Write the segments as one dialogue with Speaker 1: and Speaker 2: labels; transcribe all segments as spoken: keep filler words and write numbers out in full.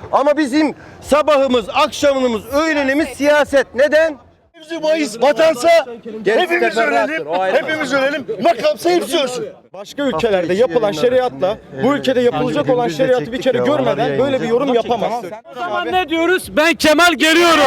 Speaker 1: Ama bizim sabahımız, akşamımız, öğlenimiz siyaset. Neden?
Speaker 2: Mayıs vatansa hepimiz ölelim, hepimiz ölelim, makamsa hepsi ölsün.
Speaker 3: Başka ülkelerde yapılan şeriatla bu ülkede yapılacak olan şeriatı bir kere görmeden böyle bir yorum yapamazsın.
Speaker 4: O zaman ne diyoruz? Ben Kemal geliyorum.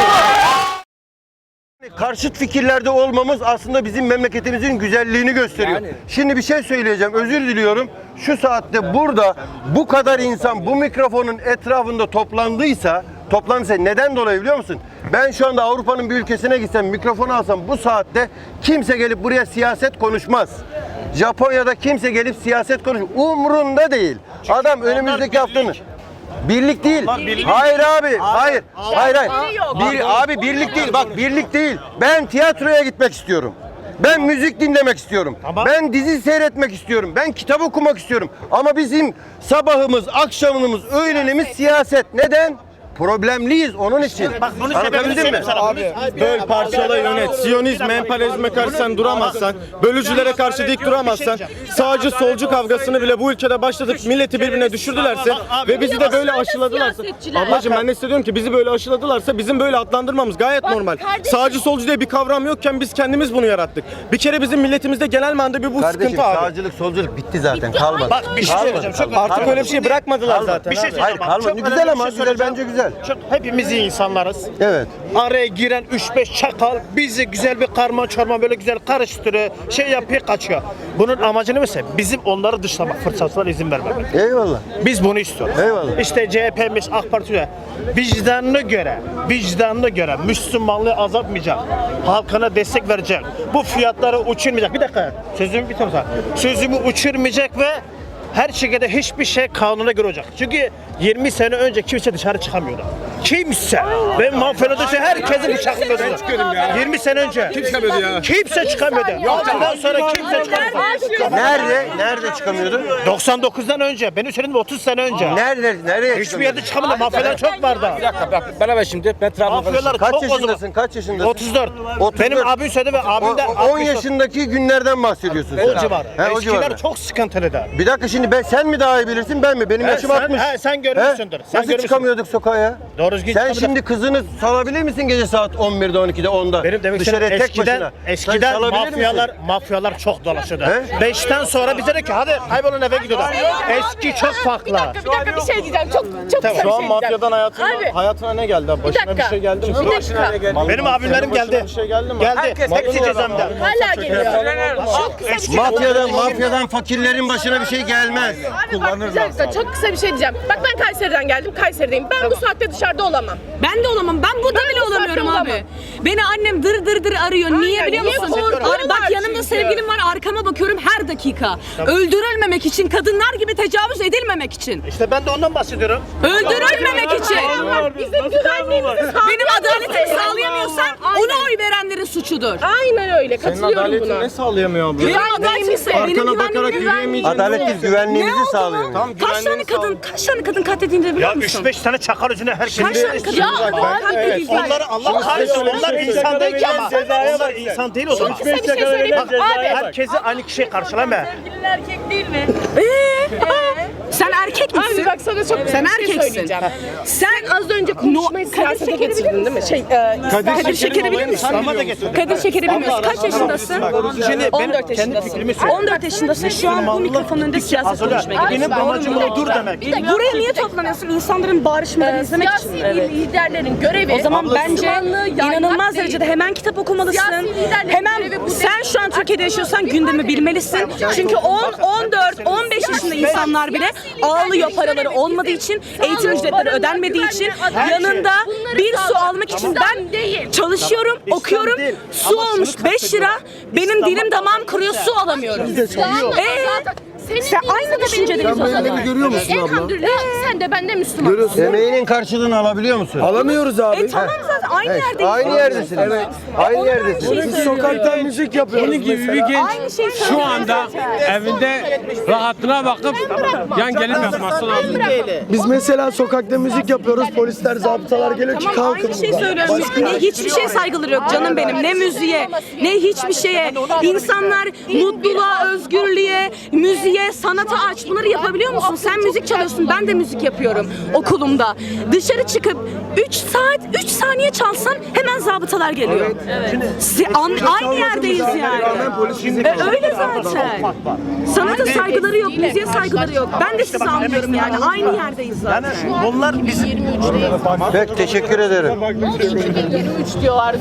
Speaker 1: Karşıt fikirlerde olmamız aslında bizim memleketimizin güzelliğini gösteriyor. Yani. Şimdi bir şey söyleyeceğim, özür diliyorum. Şu saatte burada bu kadar insan bu mikrofonun etrafında toplandıysa, toplandıysa neden dolayı biliyor musun? Ben şu anda Avrupa'nın bir ülkesine gitsem, mikrofonu alsam bu saatte kimse gelip buraya siyaset konuşmaz. Japonya'da kimse gelip siyaset konuşmaz. Umrunda değil. Çünkü adam önümüzdeki haftanın birlik değil. Birlik. Hayır abi. abi hayır. Abi. Hayır hayır. Bir, abi birlik değil. Bak birlik değil. Ben tiyatroya gitmek istiyorum. Ben müzik dinlemek istiyorum. Tamam. Ben dizi seyretmek istiyorum. Ben kitap okumak istiyorum. Ama bizim sabahımız, akşamımız, öğlenimiz siyaset. Neden? Problemliyiz onun için. Bak bunu anlatabildim mi?
Speaker 3: Abi böl, parçala, yönet. Siyonizme, emperyalizme karşı sen duramazsan, bölücülere karşı dik duramazsan, sağcı solcu kavgasını bile bu ülkede başladık, milleti birbirine düşürdülerse ve bizi de böyle aşıladılarsa. Ablacığım ben ne hissediyorum ki bizi böyle aşıladılarsa bizim böyle adlandırmamız gayet normal. Sağcı solcu diye bir kavram yokken biz kendimiz bunu yarattık. Bir kere bizim milletimizde genel manada bir bu
Speaker 1: kardeşim,
Speaker 3: sıkıntı abi.
Speaker 1: Sağcılık solculuk bitti zaten, kalmadı.
Speaker 2: Bak bir şey söyleyeceğim. Çok
Speaker 3: artık öyle bir şey bırakmadılar kalmadı. Zaten.
Speaker 2: Bir şey
Speaker 1: Hayır kalmadı. Güzel ama güzel, bence güzel.
Speaker 2: Çok, hepimiz iyi insanlarız.
Speaker 1: Evet.
Speaker 2: Araya giren üç beş çakal bizi güzel bir karma çorma böyle güzel karıştırıyor. Şey yapıyor kaçıyor. Bunun amacı ne mesela? Bizim onları dışlamak fırsatına izin vermemek.
Speaker 1: Eyvallah.
Speaker 2: Biz bunu istiyoruz.
Speaker 1: Eyvallah.
Speaker 2: İşte C H P'miz, AK Parti'ye vicdanına göre, vicdanına göre Müslümanlığı azaltmayacak. Halkına destek verecek. Bu fiyatları uçurmayacak. Bir dakika. Sözümü bitireyim. Sözümü uçurmayacak ve her şekilde hiçbir şey kanuna göre olacak. Çünkü yirmi sene önce kimse dışarı çıkamıyordu. Kimse. Ben mafyada herkesin bıçaklıyordu. yirmi sene önce. Kimse çıkamıyordu ya. Kimse çıkamıyordu. Ondan sonra kimse çıkamıyordu.
Speaker 1: Nerede? Nerede çıkamıyordu?
Speaker 2: doksan dokuzdan önce. Benim söylediğim otuz sene önce.
Speaker 1: Nerede? Nereye
Speaker 2: Hiçbir yerde çıkamıyordu. Mafyalar çok vardı.
Speaker 4: Bir dakika bak beraber şimdi ben
Speaker 2: Mafyalar
Speaker 1: Kaç
Speaker 2: çok
Speaker 1: yaşındasın? Kaç yaşındasın?
Speaker 2: otuz dört.
Speaker 1: otuz dört.
Speaker 2: Benim abim söyledi ve abim de
Speaker 1: on yaşındaki günlerden bahsediyorsun sen.
Speaker 2: o civar.
Speaker 1: He, o
Speaker 2: Eskiler
Speaker 1: civarda.
Speaker 2: çok sıkıntılıdı.
Speaker 1: Bir dakika şimdi ben sen mi daha iyi bilirsin ben mi? Benim
Speaker 2: He,
Speaker 1: yaşım
Speaker 2: sen-
Speaker 1: altmış.
Speaker 2: he, sen görmüşsündür. Sen
Speaker 1: Nasıl
Speaker 2: görmüşsün.
Speaker 1: çıkamıyorduk sokağa ya?
Speaker 2: Doğru düzgün
Speaker 1: Sen
Speaker 2: çıkamıyorduk.
Speaker 1: şimdi kızını salabilir misin gece saat on birde, on ikide, onda?
Speaker 2: Benim demek
Speaker 1: Dışarıya
Speaker 2: istediğim
Speaker 1: tek
Speaker 2: eskiden,
Speaker 1: başına. Sen
Speaker 2: eskiden
Speaker 1: salabilir
Speaker 2: mafyalar
Speaker 1: misin?
Speaker 2: mafyalar çok dolaşıyordu.
Speaker 1: He?
Speaker 2: Beşten sonra bize de ki hadi kaybolun eve gidiyorlar. Eski çok farklı.
Speaker 5: Bir dakika, bir dakika bir şey diyeceğim. Çok çok
Speaker 2: Tamam.
Speaker 5: kısa bir
Speaker 3: Şu an
Speaker 5: şey diyeceğim.
Speaker 3: mafyadan hayatına,
Speaker 5: Abi,
Speaker 3: hayatına ne geldi? Başına bir,
Speaker 5: dakika.
Speaker 3: şey geldi mi?
Speaker 5: Bir dakika.
Speaker 2: Benim abimlerim geldi.
Speaker 3: Bir şey geldi mi?
Speaker 2: Geldi. Hepsi cezaevinde.
Speaker 5: Hala geliyor. Çok kısa bir şey.
Speaker 1: Mafyadan, mafyadan fakirlerin başına bir şey gelmez.
Speaker 5: Abi bak bir dakika, çok kısa bir şey diyeceğim. Bak ben Kayseri'den geldim, Kayseri'deyim. Ben bu saatte dışarıda olamam.
Speaker 6: Ben de olamam. Ben burada
Speaker 5: Ben
Speaker 6: bile
Speaker 5: bu saatte
Speaker 6: olamıyorum abi.
Speaker 5: olamam.
Speaker 6: Beni annem dır dır dır arıyor. Niye biliyor
Speaker 5: niye
Speaker 6: musun?
Speaker 5: korkuyorlar
Speaker 6: Ar- bak yanımda
Speaker 5: çünkü?
Speaker 6: sevgilim var. Arkama bakıyorum her dakika. Öldürülmemek için, kadınlar gibi tecavüz edilmemek için.
Speaker 2: İşte ben de ondan bahsediyorum.
Speaker 6: Öldürülmemek için.
Speaker 5: Bizim güvenliğimizi sağlayamıyorsun.
Speaker 6: Benim adaletimi sağlayamıyorsan ona oy verenlerin suçudur.
Speaker 5: Aynen öyle,
Speaker 3: Senin
Speaker 5: katılıyorum
Speaker 3: adaletini
Speaker 5: buna.
Speaker 3: ne sağlayamıyor abla?
Speaker 6: Benim adaletimi benim
Speaker 3: Arkana bakarak
Speaker 6: güvenliğimi
Speaker 3: yürüyemeyeceğim.
Speaker 1: Adalet değil, güvenliğimizi
Speaker 6: Ne oldu
Speaker 1: sağlıyor.
Speaker 6: lan?
Speaker 3: Tamam,
Speaker 6: Kaç tane
Speaker 3: güvenliğini
Speaker 6: kadın, kaç tane kadın katledildi biliyor
Speaker 2: Ya
Speaker 6: musun?
Speaker 2: üç beş tane çakal yüzüne herkes.
Speaker 6: Kaç tane kadın
Speaker 5: Ya
Speaker 6: katledildi?
Speaker 2: Onları Allah kahretsin. Onlar insan değil ama. Onlar insan değil o zaman.
Speaker 5: Kısa bir şey söyleyeyim.
Speaker 2: Bak,
Speaker 5: Abi.
Speaker 2: herkesi aynı kişiye karşılama.
Speaker 6: Sevgilin erkek değil mi? Ee? Sen erkek misin?
Speaker 5: Abi bak sana çok
Speaker 6: Sen
Speaker 5: bir şey
Speaker 6: erkeksin.
Speaker 5: söyleyeceğim.
Speaker 6: Sen
Speaker 5: Az önce konuşmayı
Speaker 6: No-
Speaker 5: siyasete
Speaker 6: Kadir Şeker'i
Speaker 5: getirdin değil mi? Şey, e,
Speaker 6: Kadir Şeker'i bilir misin?
Speaker 2: Ama da getir.
Speaker 6: Kadir Şeker'i bilmiyorsun. Kaç yaşındasın?
Speaker 2: Şimdi
Speaker 6: on
Speaker 2: benim
Speaker 6: dört
Speaker 2: kendi
Speaker 6: yaşındasın.
Speaker 2: fikrimi söyleyeyim.
Speaker 6: on dört yaşındasın. Şu an bu mikrofonun önünde siyaset konuşmaya
Speaker 2: Benim
Speaker 6: gidiyorsun.
Speaker 2: amacım o dur demek.
Speaker 6: Buraya niye toplanıyorsun? İnsanların bağırışmalarını
Speaker 5: e,
Speaker 6: izlemek
Speaker 5: siyasi
Speaker 6: için. Evet.
Speaker 5: liderlerin görevi.
Speaker 6: O zaman bence
Speaker 5: Müslümanlığı yaymak
Speaker 6: inanılmaz
Speaker 5: değil.
Speaker 6: derecede hemen kitap okumalısın.
Speaker 5: Siyasi liderlerin
Speaker 6: Hemen
Speaker 5: görevi bu
Speaker 6: sen
Speaker 5: değil.
Speaker 6: şu an Türkiye'de yaşıyorsan gündemi bilmelisin. Çünkü on, on dört, on beş yaşında insanlar bile ağlıyor paraları olmadığı için, eğitim ücretleri ödenmediği için yanında bir su almak için ben çalışıyorum, okuyorum. Su olmuş beş lira. Benim dilim damağım kuruyor, su alamıyorum. Ee?
Speaker 5: Senin
Speaker 6: Sen
Speaker 5: dinin
Speaker 6: aynı
Speaker 5: sana, benim
Speaker 6: düşüncedeyiz
Speaker 5: dinim
Speaker 6: o
Speaker 5: sana.
Speaker 6: zaman.
Speaker 1: görüyor musun abla?
Speaker 5: Elhamdülillah sen de ben de Müslümanım.
Speaker 1: Emeğinin karşılığını alabiliyor musun?
Speaker 3: Alamıyoruz abi.
Speaker 6: E tamam zaten aynı
Speaker 1: Evet,
Speaker 6: yerdeyiz.
Speaker 1: aynı yerdesiniz. Evet. Aynı
Speaker 6: Onlar
Speaker 1: yerdesiniz.
Speaker 6: aynı şeyi söylüyor.
Speaker 7: Sokakta müzik yapıyoruz.
Speaker 4: Bunun gibi bir genç
Speaker 6: Aynı şeyi
Speaker 4: şu
Speaker 6: söylüyor
Speaker 4: anda
Speaker 6: zaten.
Speaker 4: evinde rahatına bakıp yan gelip yapması lazım.
Speaker 7: Biz mesela sokakta müzik yapıyoruz. Polisler, zabıtalar geliyor ki
Speaker 6: Tamam
Speaker 7: kalkın
Speaker 6: aynı şeyi
Speaker 7: buradan.
Speaker 6: söylüyorum. Ne hiçbir şey saygıları yok canım benim. Ne müziğe, ne hiçbir şeye. İnsanlar mutluluğa, özgürlüğe, müziğe, sanata aç. Bunları yapabiliyor musun? Sen müzik çalıyorsun. Ben de müzik yapıyorum okulumda. Dışarı çıkıp üç saat, üç saniye çalsan hemen zabıtalar geliyor. Si- an- aynı yerdeyiz yani. E, öyle zaten. Sanata saygıları yok, müziğe saygıları yok. Ben de sizi anlıyorum yani. Aynı yerdeyiz zaten.
Speaker 2: Bunlar bizim
Speaker 1: Pek teşekkür ederim.
Speaker 5: iki bin yirmi üç diyorlar.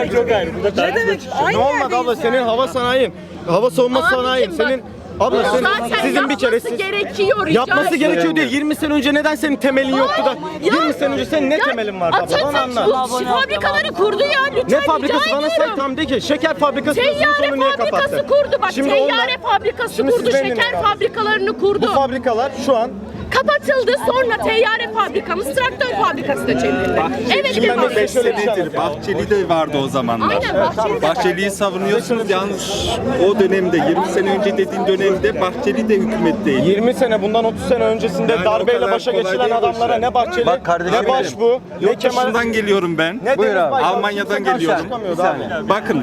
Speaker 6: Ne demek? Aynı
Speaker 3: Ne olmadı abla,
Speaker 6: yerdeyiz.
Speaker 3: senin hava sanayin, hava savunma
Speaker 5: Abicim
Speaker 3: sanayin,
Speaker 5: bak,
Speaker 3: senin abla senin,
Speaker 5: Zaten
Speaker 3: sizin bir
Speaker 5: yapması
Speaker 3: kere siz
Speaker 5: gerekiyor. rica
Speaker 3: yapması
Speaker 5: ediyorum.
Speaker 3: gerekiyor değil. yirmi sene önce neden senin temelin yoktu da yirmi sene önce senin ne
Speaker 5: Ya,
Speaker 3: temelin vardı abla? Bana
Speaker 5: Atatürk
Speaker 3: anlat.
Speaker 5: bu fabrikaları kurdu ya lütfen
Speaker 3: Ne fabrikası
Speaker 5: rica
Speaker 3: bana say
Speaker 5: ediyorum.
Speaker 3: tam de ki. Şeker fabrikası
Speaker 5: Teyyare
Speaker 3: niye
Speaker 5: fabrikası
Speaker 3: kapattı?
Speaker 5: kurdu bak.
Speaker 3: Şimdi
Speaker 5: teyyare
Speaker 3: onlar-
Speaker 5: fabrikası
Speaker 3: Şimdi
Speaker 5: kurdu.
Speaker 3: siz beni
Speaker 5: Şeker
Speaker 3: dinleyin.
Speaker 5: fabrikalarını kurdu.
Speaker 3: Bu fabrikalar şu an
Speaker 5: Kapatıldı. Sonra teyyare fabrikamız traktör fabrikası da çevrildi. Evet
Speaker 3: Şimdi ben
Speaker 5: devam
Speaker 3: de şöyle bir şey
Speaker 8: Senedir
Speaker 3: anlatayım.
Speaker 8: Bahçeli de vardı o zamanlar.
Speaker 5: Aynen, Bahçeli de
Speaker 8: Bahçeli'yi savunuyorsunuz yalnız o dönemde yirmi sene önce dediğin dönemde Bahçeli de hükümetteydi.
Speaker 3: yirmi sene bundan otuz sene öncesinde
Speaker 8: Yani o
Speaker 3: darbeyle
Speaker 8: kadar
Speaker 3: başa
Speaker 8: kolay
Speaker 3: geçiren
Speaker 8: değil bu
Speaker 3: adamlara
Speaker 8: işler.
Speaker 3: ne Bahçeli,
Speaker 1: Bak kardeşim
Speaker 3: ne Başbuğ, ne
Speaker 8: Yurt
Speaker 3: Kemal
Speaker 8: dışından geliyorum ben.
Speaker 3: ne
Speaker 1: Buyur
Speaker 3: Deniz
Speaker 1: abi.
Speaker 3: Baykan.
Speaker 8: Almanya'dan
Speaker 3: Kimse karşı
Speaker 8: geliyorum.
Speaker 3: çıkamıyordu
Speaker 1: Bir
Speaker 3: abi.
Speaker 1: saniye.
Speaker 8: Bakın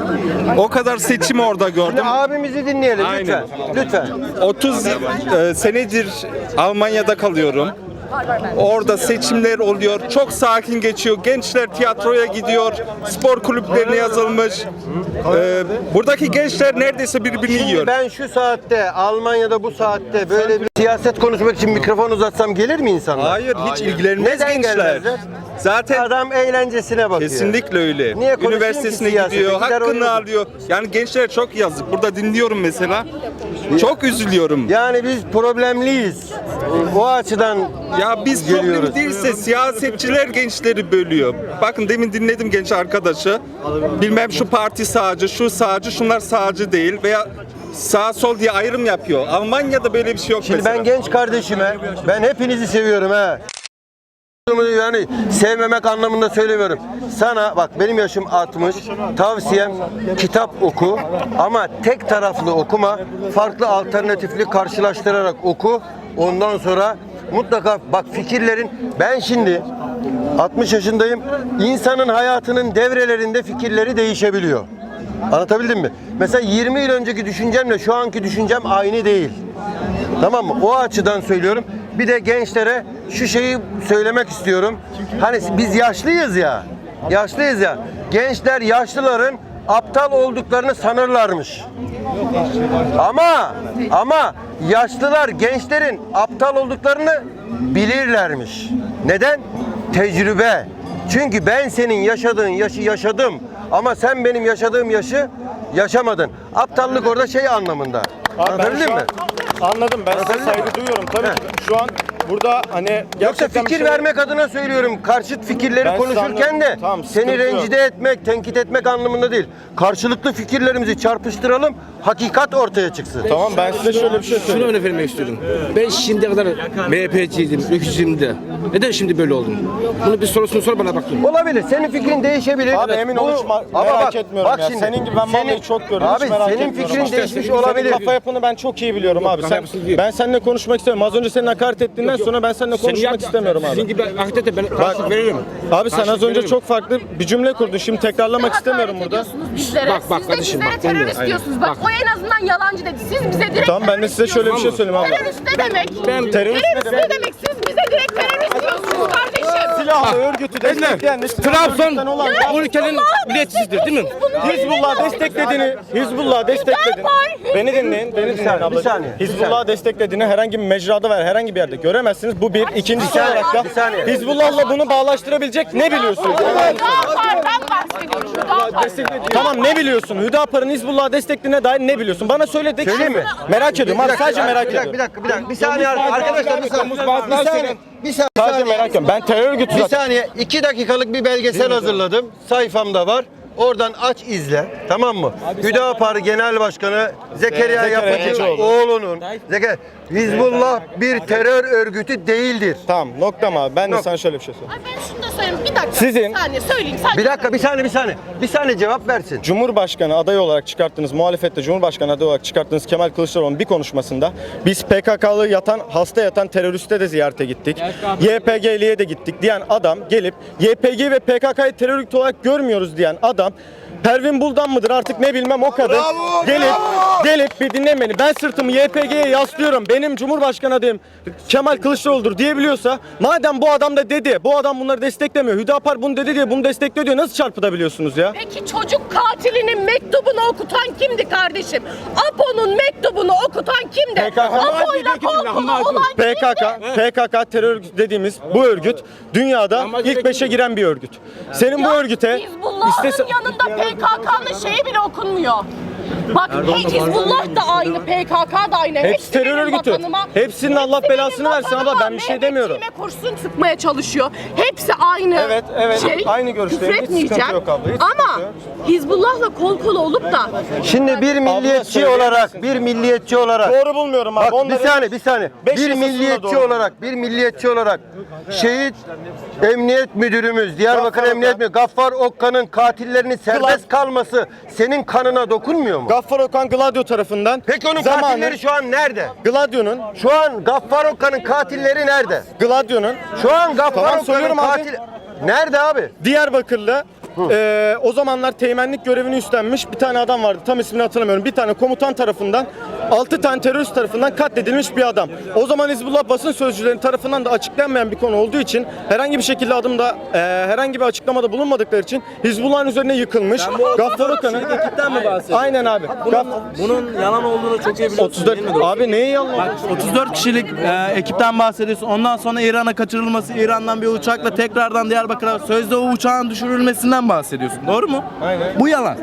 Speaker 8: o kadar seçim orada gördüm.
Speaker 1: Abimizi dinleyelim lütfen. Lütfen.
Speaker 8: otuz e, senedir Almanya'da kalıyorum. Orada seçimler oluyor. Çok sakin geçiyor. Gençler tiyatroya gidiyor. Spor kulüplerine yazılmış. Ee, buradaki gençler neredeyse birbirini
Speaker 1: Şimdi
Speaker 8: yiyor.
Speaker 1: ben şu saatte Almanya'da bu saatte böyle bir siyaset konuşmak için mikrofon uzatsam gelir mi insanlar?
Speaker 8: Hayır, hiç ilgilenmez
Speaker 1: Neden
Speaker 8: gençler.
Speaker 1: gelmezler?
Speaker 8: Zaten
Speaker 1: Adam eğlencesine bakıyor.
Speaker 8: kesinlikle öyle.
Speaker 1: Niye konuşayım
Speaker 8: Üniversitesine
Speaker 1: ki siyasete?
Speaker 8: gidiyor,
Speaker 1: Gider
Speaker 8: hakkını
Speaker 1: oyunu-
Speaker 8: alıyor. Yani gençler çok yazık. Burada dinliyorum mesela. Çok üzülüyorum.
Speaker 1: Yani biz problemliyiz. O açıdan
Speaker 8: Ya biz
Speaker 1: geliyoruz.
Speaker 8: problem değilse siyasetçiler gençleri bölüyor. Bakın demin dinledim genç arkadaşı. Bilmem şu parti sağcı, şu sağcı, şunlar sağcı değil veya sağ sol diye ayrım yapıyor. Almanya'da böyle bir şey yok
Speaker 1: Şimdi
Speaker 8: mesela.
Speaker 1: ben genç kardeşime, ben hepinizi seviyorum ha. Yani sevmemek anlamında söylemiyorum. Sana bak benim yaşım altmış. Tavsiyem kitap oku ama tek taraflı okuma. Farklı alternatifli karşılaştırarak oku. Ondan sonra mutlaka bak fikirlerin ben şimdi altmış yaşındayım. İnsanın hayatının devrelerinde fikirleri değişebiliyor. Anlatabildim mi? Mesela yirmi yıl önceki düşüncemle şu anki düşüncem aynı değil. Tamam mı? O açıdan söylüyorum. Bir de gençlere şu şeyi söylemek istiyorum. Hani biz yaşlıyız ya. Yaşlıyız ya. Gençler yaşlıların aptal olduklarını sanırlarmış. Ama ama yaşlılar gençlerin aptal olduklarını bilirlermiş. Neden? Tecrübe. Çünkü ben senin yaşadığın yaşı yaşadım ama sen benim yaşadığım yaşı yaşamadın. Aptallık orada şey anlamında.
Speaker 3: Abi ben
Speaker 1: Anlatabildim
Speaker 3: şu
Speaker 1: mi?
Speaker 3: an anladım. Ben size saygı duyuyorum. Tabii ki şu an burada hani
Speaker 1: Yoksa
Speaker 3: gerçekten bir
Speaker 1: fikir
Speaker 3: şey-
Speaker 1: vermek adına söylüyorum. Karşıt fikirleri
Speaker 3: Ben size
Speaker 1: konuşurken de
Speaker 3: anladım. Tamam,
Speaker 1: seni
Speaker 3: sıkıntı yok.
Speaker 1: rencide etmek, tenkit etmek anlamında değil. Karşılıklı fikirlerimizi çarpıştıralım, hakikat ortaya çıksın.
Speaker 3: Tamam, ben size şöyle bir şey
Speaker 4: Şunu
Speaker 3: söyleyeyim.
Speaker 4: örnek vermek istiyorum. Ben şimdiye kadar M H P'ciydim, ülkücüydüm de. Neden şimdi böyle oldum? Bunu bir sorusunu sor bana bakayım.
Speaker 1: Olabilir. Senin fikrin değişebilir.
Speaker 3: Abi emin
Speaker 1: Bu-
Speaker 3: ol hiç ma-
Speaker 1: Ama
Speaker 3: merak
Speaker 1: bak,
Speaker 3: etmiyorum
Speaker 1: bak
Speaker 3: ya.
Speaker 1: şimdi,
Speaker 3: Senin gibi ben vallahi
Speaker 1: senin-
Speaker 3: çok gördüm.
Speaker 1: Abi
Speaker 3: hiç merak
Speaker 1: senin
Speaker 3: etmiyorum.
Speaker 1: fikrin
Speaker 3: İşte
Speaker 1: değişmiş
Speaker 3: senin
Speaker 1: olabilir.
Speaker 3: kafa yapını ben çok iyi biliyorum abi.
Speaker 4: kafa
Speaker 3: Sen,
Speaker 4: yapısı değil.
Speaker 3: ben seninle konuşmak istemiyorum. Az önce senin hakaret ettiğinden sonra ben seninle konuşmak istemiyorum
Speaker 4: Sizin
Speaker 3: abi.
Speaker 4: gibi hakikaten ben karşılık veririm.
Speaker 3: Abi sen az
Speaker 4: Karşılık
Speaker 3: önce
Speaker 4: veririm.
Speaker 3: çok farklı bir cümle kurdun. Şimdi tekrarlamak istemiyorum
Speaker 5: Hakaret
Speaker 3: burada.
Speaker 5: ediyorsunuz bizlere.
Speaker 4: Bak, bak
Speaker 5: Siz de
Speaker 4: kardeşim,
Speaker 5: bizlere
Speaker 4: bak, ben de-
Speaker 5: terörist diyorsunuz. Bak,
Speaker 4: Bak.
Speaker 5: o en azından yalancı dedi. Siz bize direkt
Speaker 3: Tamam, ben de
Speaker 5: terörist
Speaker 3: size şöyle bir şey
Speaker 5: diyorsunuz.
Speaker 3: söyleyeyim abla.
Speaker 5: Terörist ne demek?
Speaker 4: Ben-
Speaker 3: Terörist ne
Speaker 5: Terörist ne demek? Siz bize direkt terörist diyorsunuz kardeşim.
Speaker 3: Silahlı örgütü destekleyen
Speaker 4: Trabzon
Speaker 3: olan
Speaker 4: bu ülkenin milliyetçisidir değil mi?
Speaker 3: Hizbullah desteklediğini, Hizbullah desteklediğini,
Speaker 5: Hüdapar,
Speaker 3: beni dinleyin, beni dinleyin
Speaker 1: saniye, bir
Speaker 3: ablacığım.
Speaker 1: saniye, bir
Speaker 3: Hizbullah desteklediğini herhangi bir mecrada veya herhangi bir yerde göremezsiniz. Bu bir. İkincisi
Speaker 1: saniye,
Speaker 3: olarak da
Speaker 1: bir saniye.
Speaker 3: Hizbullah'la bunu bağlaştırabilecek ne biliyorsunuz?
Speaker 5: Hüdapar'dan bahsediyorum. Hüdapar.
Speaker 3: Tamam, ne biliyorsun? Hüdapar'ın Hizbullah'ı desteklediğine dair ne biliyorsun? Bana söyle de ki
Speaker 1: Söyleyeyim mi?
Speaker 3: merak ediyorum abi, sadece merak
Speaker 1: bir dakika,
Speaker 3: ediyorum.
Speaker 1: bir dakika, bir dakika. Bir saniye arkadaşlar, bir saniye. Bir saniye. Bir
Speaker 3: Sadece
Speaker 1: saniye.
Speaker 3: merak ediyorum. Ben terör örgütü
Speaker 1: Bir
Speaker 3: zaten.
Speaker 1: saniye. iki dakikalık bir belgesel hazırladım. Sayfamda var. Oradan aç izle. Tamam mı? Hüdapar Genel Başkanı Zekeriya
Speaker 3: Zekeriya
Speaker 1: Yapıcı
Speaker 3: Yapıcıoğlu.
Speaker 1: oğlunun Zekeriya Hizbullah bir terör örgütü değildir.
Speaker 3: Tamam nokta mı abi? Ben de
Speaker 1: Nokta.
Speaker 3: sana şöyle bir şey söyleyeyim.
Speaker 5: Ay ben şunu da söyleyeyim. Bir dakika.
Speaker 3: Sizin-
Speaker 5: Bir saniye söyleyeyim. Sadece
Speaker 1: Bir dakika, bir saniye, bir saniye. Bir saniye cevap versin.
Speaker 3: Cumhurbaşkanı adayı olarak çıkarttığınız, muhalefette Cumhurbaşkanı adayı olarak çıkarttığınız Kemal Kılıçdaroğlu'nun bir konuşmasında biz P K K'lı yatan, hasta yatan teröriste de ziyarete gittik. Y P G'liye de gittik diyen adam gelip Y P G ve P K K'yı terör örgütü olarak görmüyoruz diyen adam Pervin Buldan mıdır artık ne bilmem o kadın gelip gelip bir dinle beni, ben sırtımı Y P G'ye yaslıyorum, benim Cumhurbaşkanı adayım Kemal Kılıçdaroğlu'dur diyebiliyorsa, madem bu adam da dedi, bu adam bunları desteklemiyor, Hüdapar bunu dedi diye bunu destekliyor diyor, nasıl çarpıtabiliyorsunuz ya?
Speaker 5: Peki çocuk katilinin mektubunu okutan kimdi kardeşim? Apo'nun mektubunu okutan kimdi?
Speaker 3: P K K.
Speaker 5: Apo'yla kolkulu olan
Speaker 3: P K K,
Speaker 5: kimdi?
Speaker 3: P K K terör örgütü dediğimiz bu örgüt dünyada ilk beşe giren bir örgüt. Senin bu örgüte
Speaker 5: Hizbullah'ın
Speaker 3: istese...
Speaker 5: yanında P K K'nın şeyi bile okunmuyor. Bak hey, Hizbullah da aynı, P K K da aynı.
Speaker 3: Hepsi terör
Speaker 5: benim
Speaker 3: örgütü.
Speaker 5: vatanıma,
Speaker 3: Hepsinin Allah
Speaker 5: hepsi
Speaker 3: belasını
Speaker 5: benim
Speaker 3: versin abla,
Speaker 5: vatanıma,
Speaker 3: ben bir şey demiyorum.
Speaker 5: Mehmetçiğime kurşun sıkmaya çalışıyor. Hepsi aynı
Speaker 3: Evet, evet.
Speaker 5: şey.
Speaker 3: Aynı görüşteyim. Hiç
Speaker 5: Küfretmeyeceğim.
Speaker 3: sıkıntı yok abla, hiç
Speaker 5: Ama
Speaker 3: sıkıntı yok.
Speaker 5: Hizbullah'la kol kola olup da
Speaker 1: Şimdi bir milliyetçi
Speaker 3: söyleyebilirsin.
Speaker 1: olarak, bir milliyetçi olarak
Speaker 3: Doğru bulmuyorum abi.
Speaker 1: Bak bir
Speaker 3: Onları-
Speaker 1: saniye, bir saniye.
Speaker 3: Beş
Speaker 1: Bir
Speaker 3: yasasında
Speaker 1: milliyetçi
Speaker 3: doğru.
Speaker 1: olarak, bir milliyetçi olarak şehit Emniyet Müdürümüz, Diyarbakır
Speaker 3: Gaffar
Speaker 1: Emniyet
Speaker 3: Okan.
Speaker 1: Müdürü Gaffar Okkan'ın katillerinin serbest kalması senin kanına dokunmuyor mu?
Speaker 3: Gaffar Okan Gladio tarafından
Speaker 1: Peki onun
Speaker 3: zamanı-
Speaker 1: katilleri şu an nerede?
Speaker 3: Gladio'nun
Speaker 1: Şu an Gaffar Okkan'ın katilleri nerede?
Speaker 3: Gladio'nun
Speaker 1: Şu an Gaffar
Speaker 3: Tamam,
Speaker 1: Okkan'ın
Speaker 3: söylüyorum abi.
Speaker 1: katil... Nerede abi?
Speaker 3: Diyarbakır'la eee, o zamanlar teğmenlik görevini üstlenmiş bir tane adam vardı. Tam ismini hatırlamıyorum. Bir tane komutan tarafından, altı tane terörist tarafından katledilmiş bir adam. O zaman Hizbullah basın sözcülerinin tarafından da açıklanmayan bir konu olduğu için herhangi bir şekilde adımda eee, herhangi bir açıklamada bulunmadıkları için Hizbullah'ın üzerine yıkılmış. Gaffar Okan'ın
Speaker 9: ekipten mi bahsediyorsun?
Speaker 3: Aynen abi. Gaff-
Speaker 9: Bunun yalan olduğunu çok iyi biliyorsun
Speaker 3: otuz dört
Speaker 9: değil mi?
Speaker 3: abi neyi yalan?
Speaker 9: Bak otuz dört kişilik e, ekipten bahsediyorsun. Ondan sonra İran'a kaçırılması, İran'dan bir uçakla tekrardan Diyarbakır'a sözde o uçağın düşürülmesinden bahsediyorsun. Doğru mu?
Speaker 3: Aynen.
Speaker 9: Bu yalan.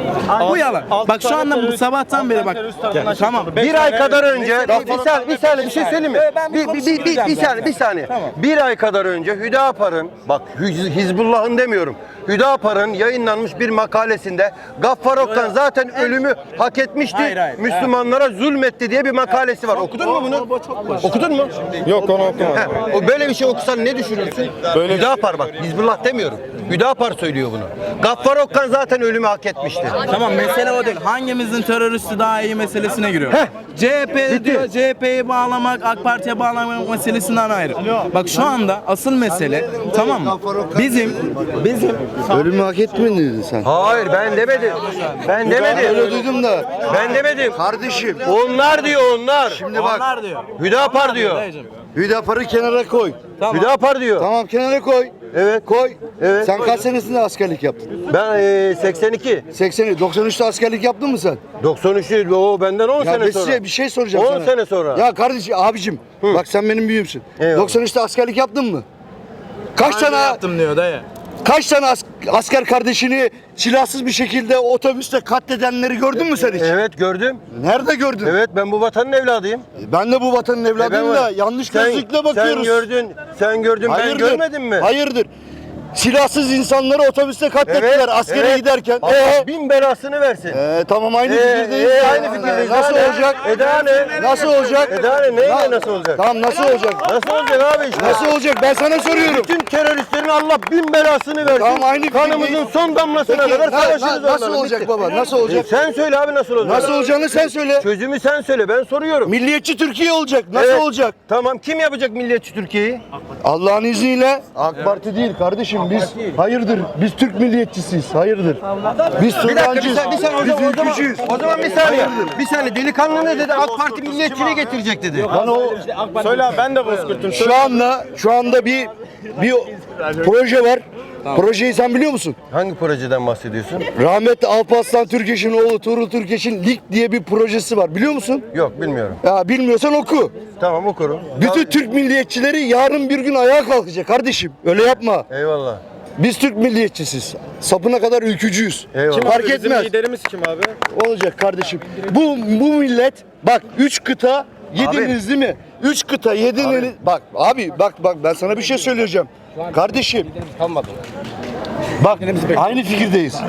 Speaker 9: Bu yalan.
Speaker 3: altı
Speaker 9: Bak şu
Speaker 3: tane
Speaker 9: anda bu
Speaker 3: terörist-
Speaker 9: sabahtan
Speaker 3: altı
Speaker 9: beri
Speaker 3: tane
Speaker 9: bak.
Speaker 3: terörist tarafından
Speaker 9: Ya, tamam.
Speaker 3: çekildi. Beş
Speaker 1: Bir ay
Speaker 3: tane-
Speaker 1: kadar önce,
Speaker 3: Neyse,
Speaker 1: bir, bir saniye, bir saniye bir şey söyleyeyim mi?
Speaker 9: Ben bir
Speaker 1: Bir, bir, bir, bir, bir
Speaker 9: konuşayım
Speaker 1: saniye, bir saniye.
Speaker 9: Tamam.
Speaker 1: Bir ay kadar önce Hüdapar'ın, bak Hiz- Hizbullah'ın demiyorum, Hüdapar'ın yayınlanmış bir makalesinde Gaffar Okkan zaten ölümü hak etmişti,
Speaker 9: Hayır, hayır.
Speaker 1: Müslümanlara zulmetti diye bir makalesi var. Okudun mu bunu? Okudun mu?
Speaker 3: Yok onu okumadım.
Speaker 1: He, o böyle bir şey okusan ne düşünürsün?
Speaker 3: Böyle-
Speaker 1: Hüdapar bak, Hizbullah demiyorum. Hüdapar söylüyor bunu. Gaffar Okkan zaten ölümü hak etmişti.
Speaker 9: Tamam mesele o değil. Hangimizin teröristi daha iyi meselesine giriyor.
Speaker 1: Heh.
Speaker 9: C H P
Speaker 1: Bitti.
Speaker 9: diyor C H P'yi bağlamak, AK Parti'ye bağlamak meselesinden ayrı. Bak şu anda asıl mesele tamam mı? Bizim bizim
Speaker 7: Ölümü hak etmedin sen.
Speaker 1: Hayır ben demedim. Ben demedim.
Speaker 7: Öyle duydum da.
Speaker 1: Ben demedim.
Speaker 7: Kardeşim
Speaker 1: Onlar diyor onlar.
Speaker 7: şimdi bak
Speaker 9: onlar diyor.
Speaker 1: Hüdapar diyor.
Speaker 9: Dayıcım.
Speaker 7: Hüdapar'ı kenara koy.
Speaker 1: Hüdapar diyor.
Speaker 7: Tamam kenara koy.
Speaker 1: Evet.
Speaker 7: Koy.
Speaker 1: Evet.
Speaker 7: Sen kaç senesinde askerlik yaptın?
Speaker 1: Ben e, seksen iki.
Speaker 7: seksen, doksan üçte askerlik yaptın mı sen?
Speaker 1: doksan üç o benden on
Speaker 7: Ya
Speaker 1: sene
Speaker 7: ben
Speaker 1: sonra.
Speaker 7: size bir şey soracağım
Speaker 1: on
Speaker 7: sana.
Speaker 1: sene sonra.
Speaker 7: Ya kardeşim abicim bak sen benim büyüğümsün.
Speaker 1: Eyvallah.
Speaker 7: doksan üçte askerlik yaptın mı? Kaç
Speaker 9: Önce
Speaker 7: tane
Speaker 9: yaptım diyor dayı.
Speaker 7: kaç tane as- asker kardeşini silahsız bir şekilde otobüste katledenleri gördün mü sen hiç?
Speaker 1: Evet gördüm.
Speaker 7: Nerede gördün?
Speaker 1: Evet ben bu vatanın evladıyım.
Speaker 7: Ben de bu vatanın evladıyım
Speaker 1: E, ben-
Speaker 7: da yanlış
Speaker 1: Sen-
Speaker 7: gözlükle bakıyoruz.
Speaker 1: Sen gördün. Sen gördün ben görmedim mi?
Speaker 7: Hayırdır? Silahsız insanları otobüste katlettiler askere
Speaker 1: evet.
Speaker 7: giderken.
Speaker 1: Allah
Speaker 7: Ee,
Speaker 1: bin belasını versin.
Speaker 7: ee, tamam aynı
Speaker 1: Ee,
Speaker 7: fikirdeyiz.
Speaker 1: ee,
Speaker 7: ya.
Speaker 1: aynı fikirdeyiz.
Speaker 7: Nasıl
Speaker 1: Daha ne?
Speaker 7: olacak?
Speaker 1: E daha ne?
Speaker 7: Nasıl olacak?
Speaker 1: E daha ne? Neyle
Speaker 7: Na-
Speaker 1: nasıl olacak?
Speaker 7: Tamam nasıl olacak?
Speaker 1: Nasıl olacak abi işte?
Speaker 7: Nasıl olacak? Ben sana soruyorum.
Speaker 1: Bütün teröristlerin Allah bin belasını versin.
Speaker 7: Tamam, aynı
Speaker 1: Kanımızın
Speaker 7: fikirdeyiz.
Speaker 1: son damlasına
Speaker 7: Peki,
Speaker 1: kadar
Speaker 7: na-
Speaker 1: savaşırız
Speaker 7: na- nasıl
Speaker 1: onlarla.
Speaker 7: olacak
Speaker 1: Bitti.
Speaker 7: baba? Nasıl olacak?
Speaker 1: E sen söyle abi nasıl olacak?
Speaker 7: Nasıl olacağını sen söyle.
Speaker 1: Çözümü sen söyle ben soruyorum.
Speaker 7: Milliyetçi Türkiye olacak. Nasıl
Speaker 1: Evet.
Speaker 7: olacak?
Speaker 1: Tamam kim yapacak milliyetçi Türkiye'yi?
Speaker 7: Allah'ın izniyle AK Parti değil kardeşim biz hayırdır biz Türk milliyetçisiyiz hayırdır biz
Speaker 1: Bir dakika bir
Speaker 7: Suriyancıyız
Speaker 1: saniye, bir saniye o
Speaker 7: biz
Speaker 1: zaman, o zaman,
Speaker 7: ülkücüyüz.
Speaker 1: o zaman bir saniye. Bir saniye delikanlı ne dedi? AK Parti milliyetçiliği getirecek dedi.
Speaker 7: Lan o
Speaker 3: Söyle abi, ben de bozkurtum.
Speaker 7: şu anda şu anda bir bir proje var. Projeyi sen biliyor musun?
Speaker 1: Hangi projeden bahsediyorsun?
Speaker 7: Rahmetli Alparslan Türkeş'in oğlu Tuğrul Türkeş'in Lig diye bir projesi var. Biliyor musun?
Speaker 1: Yok bilmiyorum.
Speaker 7: Ya bilmiyorsan oku.
Speaker 1: Tamam okurum.
Speaker 7: Bütün Türk milliyetçileri yarın bir gün ayağa kalkacak kardeşim. Öyle yapma.
Speaker 1: Eyvallah.
Speaker 7: Biz Türk milliyetçisiz. Sapına kadar ülkücüyüz.
Speaker 1: Eyvallah.
Speaker 7: Fark
Speaker 3: Bizim
Speaker 7: etmez.
Speaker 3: liderimiz kim abi?
Speaker 7: Olacak kardeşim. Bu bu millet bak üç kıta yediniz değil mi? Üç kıta yediniz. Bak abi bak bak ben sana bir şey söyleyeceğim. Kardeşim. Bak aynı fikirdeyiz.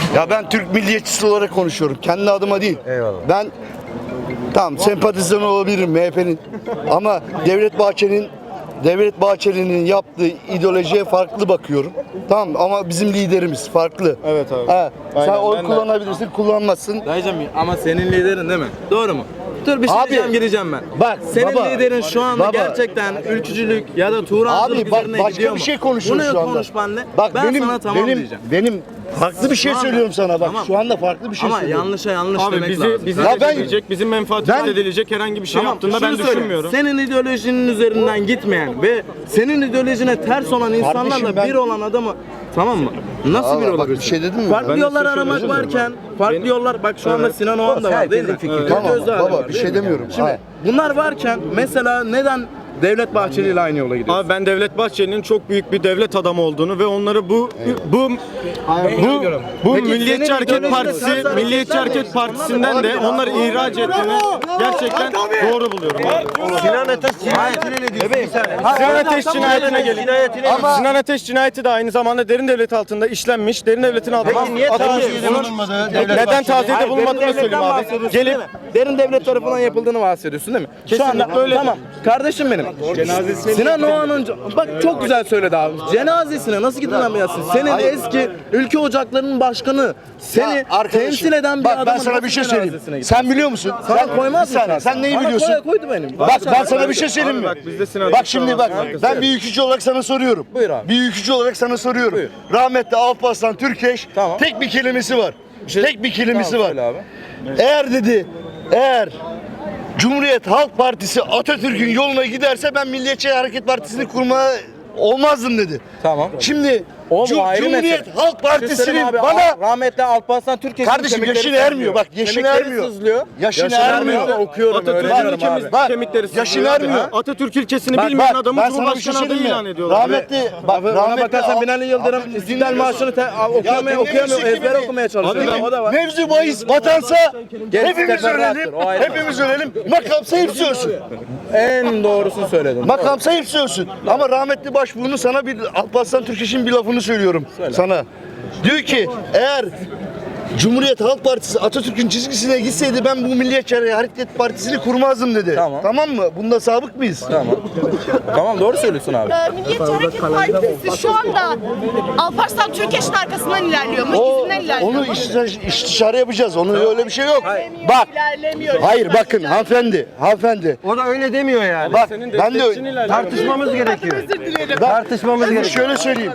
Speaker 7: Ya ben Türk milliyetçisi olarak konuşuyorum. Kendi adıma değil.
Speaker 1: Eyvallah.
Speaker 7: Ben tamam sempatizan olabilirim M H P'nin ama Devlet Bahçeli'nin Devlet Bahçeli'nin yaptığı ideolojiye farklı bakıyorum. Tamam ama bizim liderimiz farklı.
Speaker 3: Evet abi.
Speaker 7: Ha, sen
Speaker 3: Aynen,
Speaker 7: oy
Speaker 3: ben de-
Speaker 7: kullanabilirsin, kullanmazsın.
Speaker 9: Dayıcım ama senin liderin değil mi? Doğru mu? Dur bir şey
Speaker 7: Abi,
Speaker 9: diyeceğim gireceğim ben.
Speaker 7: bak,
Speaker 9: senin
Speaker 7: baba,
Speaker 9: liderin şu anda
Speaker 7: baba.
Speaker 9: gerçekten ülkücülük ya da Turancılık
Speaker 7: Abi bak
Speaker 9: üzerine
Speaker 7: başka
Speaker 9: gidiyor
Speaker 7: bir
Speaker 9: mu?
Speaker 7: şey konuşuyoruz
Speaker 9: Bunu
Speaker 7: şu anda.
Speaker 9: konuş benimle.
Speaker 7: Bak
Speaker 9: ben
Speaker 7: benim
Speaker 9: sana tamam
Speaker 7: benim
Speaker 9: diyeceğim.
Speaker 7: benim farklı bir şey
Speaker 9: Şu anda-
Speaker 7: söylüyorum sana bak.
Speaker 9: Tamam.
Speaker 7: Şu anda farklı bir şey
Speaker 9: Ama
Speaker 7: söylüyorum.
Speaker 9: yanlışa yanlış
Speaker 3: Abi
Speaker 9: demek
Speaker 3: bizi
Speaker 9: lazım.
Speaker 3: bizi
Speaker 7: Ya ben-
Speaker 3: edilecek, bizim menfaatimiz
Speaker 7: Ben-
Speaker 3: edilecek herhangi bir şey
Speaker 9: Tamam,
Speaker 3: yaptığında ben
Speaker 9: şunu söyle.
Speaker 3: düşünmüyorum.
Speaker 9: Senin ideolojinin üzerinden gitmeyen ve senin ideolojine ters olan insanlarla
Speaker 7: Kardeşim ben-
Speaker 9: bir olan adamı tamam mı? Nasıl
Speaker 7: Allah
Speaker 9: bir
Speaker 7: bak,
Speaker 9: olabilirsin?
Speaker 7: bir şey dedim mi?
Speaker 9: Farklı
Speaker 7: Ben de
Speaker 9: yollar
Speaker 3: size
Speaker 9: aramak
Speaker 3: şöyle
Speaker 9: varken, farklı yollar bak şu anda Sinan Oğan da var değil mi?
Speaker 1: Herkesin fikri.
Speaker 9: Evet.
Speaker 7: Tamam
Speaker 9: Özdağ da
Speaker 7: baba
Speaker 9: var,
Speaker 7: bir
Speaker 9: değil
Speaker 7: şey
Speaker 9: mi?
Speaker 7: demiyorum.
Speaker 9: Şimdi
Speaker 7: Hayır.
Speaker 9: bunlar varken mesela neden Devlet Bahçeli ile aynı yola gidiyorsun?
Speaker 3: Abi ben Devlet Bahçeli'nin çok büyük bir devlet adamı olduğunu ve onları bu bu bu bu
Speaker 9: Peki
Speaker 3: Milliyetçi
Speaker 9: senin
Speaker 3: Hareket
Speaker 9: ideolojine
Speaker 3: Partisi,
Speaker 9: ters hareketler
Speaker 3: Milliyetçi
Speaker 9: mi?
Speaker 3: Hareket Partisi'nden de onları ihraç ettiğini gerçekten doğru buluyorum.
Speaker 1: Sinan Ateş cinayetine ne diyorsun? Bir saniye.
Speaker 3: Sinan Ateş cinayetine gelin.
Speaker 1: Cinayetine
Speaker 3: Ama Sinan Ateş cinayeti de aynı zamanda derin devlet altında işlenmiş. Derin devletin altında
Speaker 1: Peki niye
Speaker 3: atılmış.
Speaker 1: taziyede bulunmadı Devlet
Speaker 3: Neden
Speaker 1: Bahçeli?
Speaker 3: taziyede
Speaker 9: Hayır,
Speaker 3: bulunmadığını
Speaker 9: derin
Speaker 3: söyleyeyim
Speaker 9: devletten
Speaker 3: abi.
Speaker 9: bahsediyorsun
Speaker 3: Gelip
Speaker 9: değil mi? Derin devlet tarafından yapıldığını bahsediyorsun değil mi? Şu anda
Speaker 3: böyle.
Speaker 9: Tamam. Kardeşim benim. Sinan Oğan'ın bak çok güzel söyledi abi. Cenazesine nasıl gidilemezsin? Senin eski ülke ocaklarının başkanı seni
Speaker 7: Ya arkadaşım,
Speaker 9: temsil eden bir
Speaker 7: bak,
Speaker 9: adamın
Speaker 7: ben sana bir
Speaker 9: nasıl
Speaker 7: şey söyleyeyim.
Speaker 9: cenazesine gitsin?
Speaker 7: Sen biliyor musun?
Speaker 9: Sana
Speaker 7: sen,
Speaker 9: koymaz
Speaker 7: bir saniye,
Speaker 9: mısın?
Speaker 7: sen neyi
Speaker 9: Bana
Speaker 7: biliyorsun?
Speaker 9: koy- koydu benim.
Speaker 7: Bak ben sana bir şey söyleyeyim mi?
Speaker 3: Bak, bizde Sinan
Speaker 7: Bak
Speaker 3: Ateş
Speaker 7: şimdi
Speaker 3: var.
Speaker 7: bak
Speaker 3: Herkes
Speaker 7: ben
Speaker 3: söyle.
Speaker 7: bir ülkücü olarak sana soruyorum.
Speaker 9: Buyur abi.
Speaker 7: Bir ülkücü olarak sana soruyorum.
Speaker 9: Buyur.
Speaker 7: Rahmetli Alparslan Türkeş
Speaker 9: Tamam.
Speaker 7: tek bir kelimesi var.
Speaker 9: şey-
Speaker 7: Tek bir kelimesi
Speaker 9: Tamam,
Speaker 7: var.
Speaker 9: söyle abi.
Speaker 7: Eğer dedi eğer Cumhuriyet Halk Partisi Atatürk'ün yoluna giderse ben Milliyetçi Hareket Partisi'ni kurmaya olmazdım dedi.
Speaker 9: Tamam.
Speaker 7: Şimdi
Speaker 9: O
Speaker 7: Cum-
Speaker 9: ayrı
Speaker 7: Cumhuriyet
Speaker 9: mesele.
Speaker 7: Halk Partisi'nin
Speaker 9: Abi,
Speaker 7: bana
Speaker 9: rahmetli Alparslan Türkeş'in
Speaker 7: Kardeşim,
Speaker 9: kemikleri
Speaker 7: yaşın
Speaker 9: sızlıyor.
Speaker 7: ermiyor, bak, yaşın
Speaker 9: Kemikleri
Speaker 7: ermiyor.
Speaker 9: sızlıyor.
Speaker 7: Yaşın ermiyor.
Speaker 9: Okuyorum,
Speaker 3: Atatürk'ün
Speaker 9: öğreniyorum
Speaker 3: kemik-
Speaker 9: abi.
Speaker 7: Bak,
Speaker 3: kemikleri
Speaker 7: yaşın
Speaker 3: sızlıyor abi.
Speaker 7: ermiyor.
Speaker 3: Atatürk ilkesini
Speaker 7: Bak,
Speaker 3: bilmeyen
Speaker 7: bak,
Speaker 3: adamı
Speaker 7: ben sana bir şey
Speaker 3: Cumhurbaşkanı adayı
Speaker 7: söyleyeyim
Speaker 3: ilan
Speaker 7: mi?
Speaker 3: ediyorlar.
Speaker 7: Rahmetli, bak,
Speaker 9: Abi ona
Speaker 7: rahmetli
Speaker 9: bakarsan
Speaker 7: Al-
Speaker 9: Binali Yıldırım
Speaker 7: Abi,
Speaker 9: İstiklal
Speaker 7: dinliyorsun.
Speaker 9: Marşı'nı te- okuyamıyor,
Speaker 7: dinliyorsun
Speaker 9: okuyamıyor,
Speaker 7: ki
Speaker 9: ezber
Speaker 7: beni.
Speaker 9: okumaya çalışıyor.
Speaker 7: Abi,
Speaker 9: O da var.
Speaker 7: mevzu bahis vatansa
Speaker 9: Gerisi
Speaker 7: hepimiz
Speaker 9: teferruattır,
Speaker 7: ölelim,
Speaker 9: o ayrı.
Speaker 7: hepimiz ölelim, makamsa hepsi ölsün.
Speaker 9: En doğrusunu söyledin.
Speaker 7: Makamsa hepsi ölsün. Ama rahmetli başbuğunu sana bir Alparslan Türkeş'in bir lafını söylüyorum sana. Diyor ki eğer Cumhuriyet Halk Partisi Atatürk'ün çizgisine gitseydi ben bu Milliyetçi Hareket Partisi'ni kurmazdım dedi.
Speaker 9: Tamam.
Speaker 7: Tamam mı? Bunda sabık mıyız?
Speaker 9: Tamam. Tamam doğru söylüyorsun abi.
Speaker 5: Ee, Milliyetçi Hareket Partisi şu anda Alparslan Türkeş'in arkasından ilerliyor mu?
Speaker 7: O,
Speaker 5: İzinden ilerliyor
Speaker 7: onu
Speaker 5: mu?
Speaker 7: istişare, istişare yapacağız. Onun öyle bir şey yok.
Speaker 5: İlerlemiyor,
Speaker 7: Bak.
Speaker 5: ilerlemiyor.
Speaker 7: Hayır bakın hanımefendi, hanımefendi.
Speaker 1: O da öyle demiyor yani.
Speaker 7: Bak ben de
Speaker 1: Tartışmamız gerekiyor.
Speaker 5: Özür dilerim.
Speaker 1: Tartışmamız
Speaker 7: Şunu
Speaker 1: gerekiyor.
Speaker 7: şöyle söyleyeyim.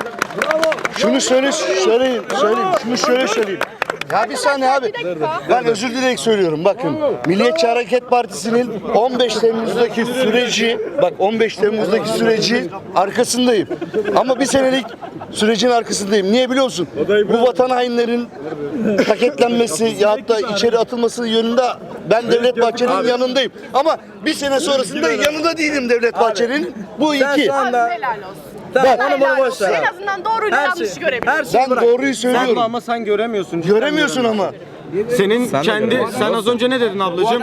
Speaker 7: Şunu söyle söyleyeyim, söyleyeyim. Şunu şöyle söyleyeyim. Ya bir saniye abi. Ben özür dileyerek söylüyorum. Bakın Milliyetçi Hareket Partisi'nin on beş Temmuz'daki süreci, bak on beş Temmuz'daki süreci arkasındayım. Ama bir senelik sürecin arkasındayım. Niye biliyor musun? Bu vatan hainlerin paketlenmesi ya da içeri atılması yönünde ben Devlet Bahçeli'nin yanındayım. Ama bir sene sonrasında yanında değilim Devlet Bahçeli'nin. Bu
Speaker 9: Sen
Speaker 7: iki.
Speaker 9: şu anda
Speaker 5: Helal olsun.
Speaker 9: tamam
Speaker 7: Bak.
Speaker 9: onu bunu
Speaker 5: Helal
Speaker 9: boş
Speaker 5: olsun.
Speaker 9: ver.
Speaker 5: En
Speaker 9: abi.
Speaker 5: azından doğruyla
Speaker 9: Her
Speaker 5: yanlışı
Speaker 9: şey,
Speaker 5: görebiliyorsun.
Speaker 9: her şeyi
Speaker 7: Ben
Speaker 9: bırak.
Speaker 7: doğruyu
Speaker 3: Sen
Speaker 7: söylüyorum.
Speaker 3: ama sen göremiyorsun. cidden
Speaker 7: Göremiyorsun ama.
Speaker 3: Senin
Speaker 9: Sen de
Speaker 3: kendi
Speaker 9: göremiyorsun.
Speaker 3: sen az önce ne dedin ablacığım?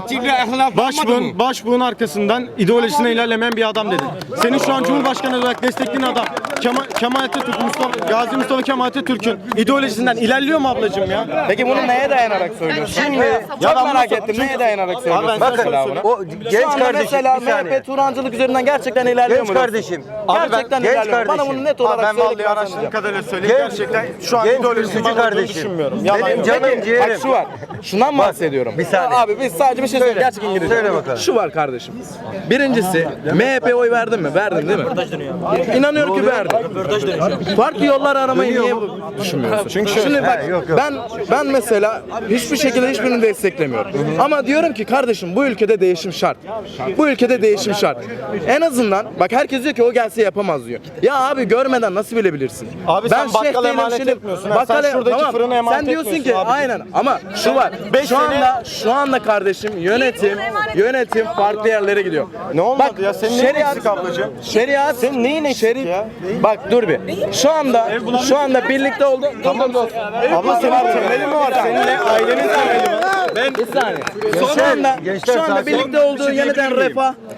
Speaker 3: Başbuğun başbuğun arkasından ideolojisine ilerlemeyen bir adam dedin. Senin şu an Cumhurbaşkanı olarak desteklediğin adam Kemal, Kemal Atatürk, Mustafa, Gazi Mustafa Kemal Atatürk'ün ideolojisinden ilerliyor mu ablacığım ya?
Speaker 9: Peki bunu neye dayanarak söylüyorsun?
Speaker 1: Şimdi
Speaker 9: Çok merak ettim. Neye dayanarak söylüyorsun?
Speaker 3: Abi ben sana
Speaker 9: mesela
Speaker 3: söyleyeyim.
Speaker 9: bunu?
Speaker 1: o
Speaker 9: Şu
Speaker 1: genç
Speaker 9: anda
Speaker 1: kardeşim
Speaker 9: mesela
Speaker 1: bir
Speaker 9: M H
Speaker 1: saniye.
Speaker 9: P Turancılık üzerinden gerçekten ilerliyor
Speaker 1: Genç
Speaker 9: mu?
Speaker 1: kardeşim.
Speaker 9: Gerçekten
Speaker 1: genç
Speaker 9: ilerliyor. Bana
Speaker 1: kardeşim.
Speaker 9: bunu net
Speaker 3: Abi
Speaker 9: olarak
Speaker 3: ben
Speaker 9: söyle.
Speaker 3: vallahi araştırdığım kadarıyla söyleyeyim.
Speaker 1: Genç-
Speaker 3: Gerçekten şu an
Speaker 1: genç
Speaker 3: ideolojisinin
Speaker 1: ülkücü
Speaker 3: bana olduğunu
Speaker 1: kardeşim.
Speaker 3: düşünmüyorum.
Speaker 1: Benim
Speaker 3: Yalan yok.
Speaker 1: canım
Speaker 9: Peki,
Speaker 1: ciğerim.
Speaker 9: bak şu var. Şundan mı bahsediyorum?
Speaker 1: bir saniye.
Speaker 9: Abi biz sadece bir şey söyleyeyim. Gerçek İngilizce.
Speaker 1: Söyle bakalım.
Speaker 9: Şu var kardeşim. Birincisi M H P'ye oy verdin mi? Verdin değil mi? İnanıyorum ki verdin. Farklı yollar aramayı niye düşünmüyorsun? Çünkü şimdi bak
Speaker 1: He, yok, yok.
Speaker 9: ben ben mesela hiçbir şekilde hiçbirini desteklemiyorum. Ama diyorum ki kardeşim bu ülkede değişim şart. Bu ülkede değişim şart. En azından bak herkes diyor ki o gelse yapamaz diyor. Ya abi görmeden nasıl bilebilirsin?
Speaker 3: Abi sen bakkala
Speaker 9: Şeyh değilim,
Speaker 3: emanet
Speaker 9: şimdi-
Speaker 3: etmiyorsun ha. Sen şuradaki fırına emanet
Speaker 9: Sen diyorsun ki
Speaker 3: etmiyorsun abi.
Speaker 9: aynen ama şu var.
Speaker 3: beş
Speaker 9: Şu
Speaker 3: sene-
Speaker 9: anda şu anda kardeşim yönetim yönetim farklı yerlere gidiyor.
Speaker 3: Ne olmadı ya? Senin neyin eksik ablacığım?
Speaker 9: Şeriat senin neyin eksik ya? Bak dur bir. Şu anda şu anda birlikte oldu. Tamam dostum.
Speaker 3: Abla senin temeli mi var? Seninle ailenin temeli mi?
Speaker 9: Ben bir saniye. Şu anda
Speaker 1: gençler
Speaker 9: şu anda
Speaker 1: sakin.
Speaker 9: birlikte olduğu yeniden refah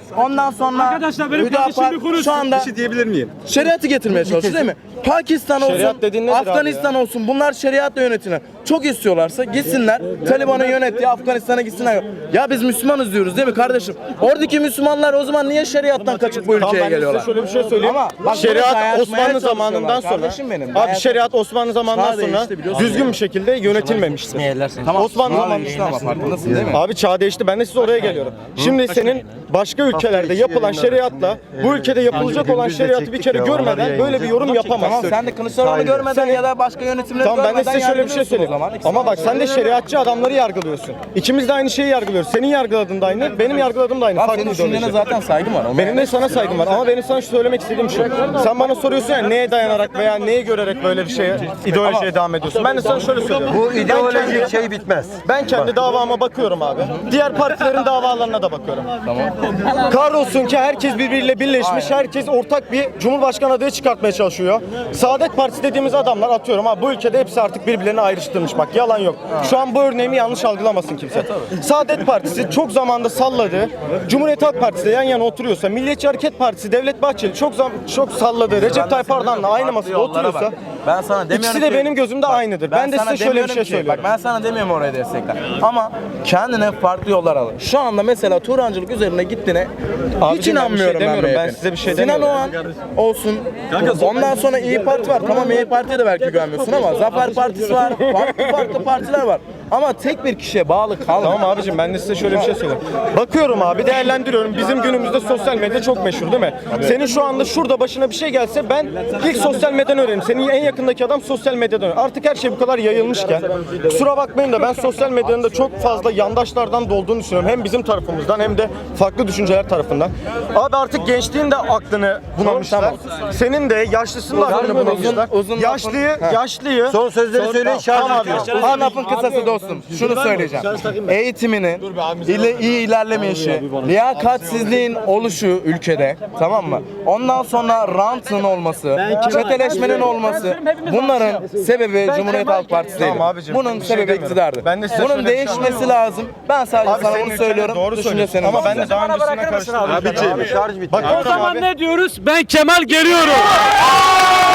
Speaker 9: Ondan sonra
Speaker 10: Arkadaşlar benim
Speaker 9: Hüdapar
Speaker 10: kardeşim bir konuşsun.
Speaker 9: şu anda
Speaker 8: Bir şey diyebilir miyim?
Speaker 9: şeriatı getirmeye çalışıyor değil mi? Pakistan olsun,
Speaker 3: Şeriat dediğin nedir abi
Speaker 9: Afganistan olsun bunlar şeriatla yönetilir. Çok istiyorlarsa gitsinler Taliban'ın yönettiği Afganistan'a gitsinler. Ya biz Müslümanız diyoruz değil mi kardeşim? Oradaki Müslümanlar o zaman niye şeriattan kaçıp bu
Speaker 3: Tamam,
Speaker 9: ülkeye
Speaker 3: ben de
Speaker 9: geliyorlar?
Speaker 3: size şöyle bir şey söyleyeyim.
Speaker 9: Ama bak,
Speaker 3: şeriat
Speaker 9: bunu dayatmaya
Speaker 3: Osmanlı zamanından
Speaker 9: çalışıyorlar.
Speaker 3: sonra
Speaker 9: Kardeşim benim,
Speaker 3: abi
Speaker 9: dayat-
Speaker 3: şeriat Osmanlı zamanından
Speaker 9: Çağ
Speaker 3: sonra
Speaker 9: değişti biliyorsun.
Speaker 3: düzgün bir şekilde yönetilmemiştir.
Speaker 9: Tamam,
Speaker 3: Osmanlı
Speaker 9: çağ
Speaker 3: zamanı
Speaker 9: değişti ama farkındasın değil mi?
Speaker 3: Abi çağ değişti. Ben de size oraya geliyorum. Şimdi senin başka ülkelerde yapılan şeriatla bu ülkede yapılacak olan şeriatı bir kere görmeden böyle bir yorum
Speaker 9: Tamam
Speaker 3: yapamazsın.
Speaker 9: sen de Kılıçdaroğlu görmeden
Speaker 3: Sen-
Speaker 9: ya da başka yönetimleri
Speaker 3: Tamam ben de
Speaker 9: görmeden
Speaker 3: size şöyle bir şey
Speaker 9: yargılıyorsun o
Speaker 3: söyleyeyim.
Speaker 9: zaman. İkisi
Speaker 3: Ama bak sen de şeriatçı adamları yargılıyorsun. İkimiz de aynı şeyi yargılıyoruz. Senin yargıladığın da aynı, benim yargıladığım da aynı.
Speaker 9: Abi
Speaker 3: Farklı
Speaker 9: senin
Speaker 3: ideoloji.
Speaker 9: düşüncene zaten saygım var. Onu
Speaker 3: Benim de sana saygım var ama benim sana şu söylemek istediğim şu. Sen bana soruyorsun ya neye dayanarak veya neyi görerek böyle bir şeye, ideolojiye devam ediyorsun. Ben de sana şöyle söylüyorum.
Speaker 1: Bu
Speaker 3: Ben kendi-
Speaker 1: ideolojik şey bitmez.
Speaker 3: Ben kendi davama bakıyorum abi. Diğer partilerin davalarına da bakıyorum. Tamam. Kahrolsun ki herkes birbiriyle birleşmiş, herkes ortak bir cumhurbaşkanı adayı çıkartmaya çalışıyor. Saadet Partisi dediğimiz adamlar atıyorum abi bu ülkede hepsi artık birbirlerini ayrıştırmış bak yalan yok. Şu an bu örneğimi yanlış algılamasın kimse. Saadet Partisi çok zamanda salladı. Cumhuriyet Halk Partisi de yan yana oturuyorsa, Milliyetçi Hareket Partisi Devlet Bahçeli çok zam çok salladı. Recep Tayyip Erdoğan'la aynı masada oturuyorsa
Speaker 9: ben sana demiyorum
Speaker 3: ikisi de
Speaker 9: ki-
Speaker 3: benim gözümde aynıdır. Ben, de
Speaker 9: sana
Speaker 3: size şöyle bir
Speaker 9: demiyorum
Speaker 3: şey
Speaker 9: ki-
Speaker 3: söylüyorum.
Speaker 9: Bak ben sana demiyorum oraya destekler. Ama kendine farklı yollar al. Şu anda mesela Turancılık üzerine gittiğine hiç
Speaker 3: Abicim, ben bir şey
Speaker 9: inanmıyorum ben,
Speaker 3: demiyorum. Ben
Speaker 9: M H P'nin.
Speaker 3: size bir şey
Speaker 9: Sinan
Speaker 3: demiyorum.
Speaker 9: Oğan olsun. Ondan sonra İyi Parti var. Tamam İyi Parti'ye de belki güvenmiyorsun ama Zafer Partisi var. Farklı farklı partiler var. Ama tek bir kişiye bağlı kalma.
Speaker 3: Tamam abicim ben de size şöyle bir şey söyleyeyim. Bakıyorum abi değerlendiriyorum. Bizim günümüzde sosyal medya çok meşhur değil mi? Senin şu anda şurada başına bir şey gelse ben ilk sosyal medyadan öğrenirim. Senin en yakındaki adam sosyal medyadan öğrenir. Artık her şey bu kadar yayılmışken kusura bakmayın da ben sosyal medyanın da çok fazla yandaşlardan dolduğunu düşünüyorum. Hem bizim tarafımızdan hem de farklı düşünceler tarafından. Abi artık gençliğin de aklını bunamışlar. Senin de yaşlısının da aklını bunamışlar.
Speaker 9: uzun lafın-
Speaker 3: Yaşlıyı, yaşlıyı
Speaker 1: Son sözleri söyleyin şarj
Speaker 3: Tamam
Speaker 1: bitiyor.
Speaker 3: abi.
Speaker 9: Ha lafın kısası dostum. Şunu söyleyeceğim. Eğitiminin ile iyi ilerlemeyişi, liyakatsizliğin oluşu ülkede, tamam mı? Ondan sonra rantın olması, çeteleşmenin olması, bunların sebebi Cumhuriyet Halk Partisi değil.
Speaker 3: Tamam abicim,
Speaker 9: Bunun
Speaker 3: bir şey
Speaker 9: sebebi
Speaker 3: demiyorum.
Speaker 9: iktidardır.
Speaker 3: Ben de size
Speaker 9: Bunun
Speaker 3: şöyle bir şey
Speaker 9: değişmesi
Speaker 3: anlatıyorum.
Speaker 9: lazım. Ben sadece
Speaker 3: Abi
Speaker 9: sana
Speaker 3: senin
Speaker 9: bunu
Speaker 3: ülkende
Speaker 9: söylüyorum.
Speaker 3: doğru
Speaker 9: Düşünce
Speaker 3: söylüyorsun.
Speaker 9: senin.
Speaker 3: Ama ben de daha öncesine karıştırdım.
Speaker 1: Abi şarj bitti.
Speaker 3: Bakıyorum
Speaker 10: O zaman
Speaker 3: abi.
Speaker 10: ne diyoruz? Ben Kemal geliyorum.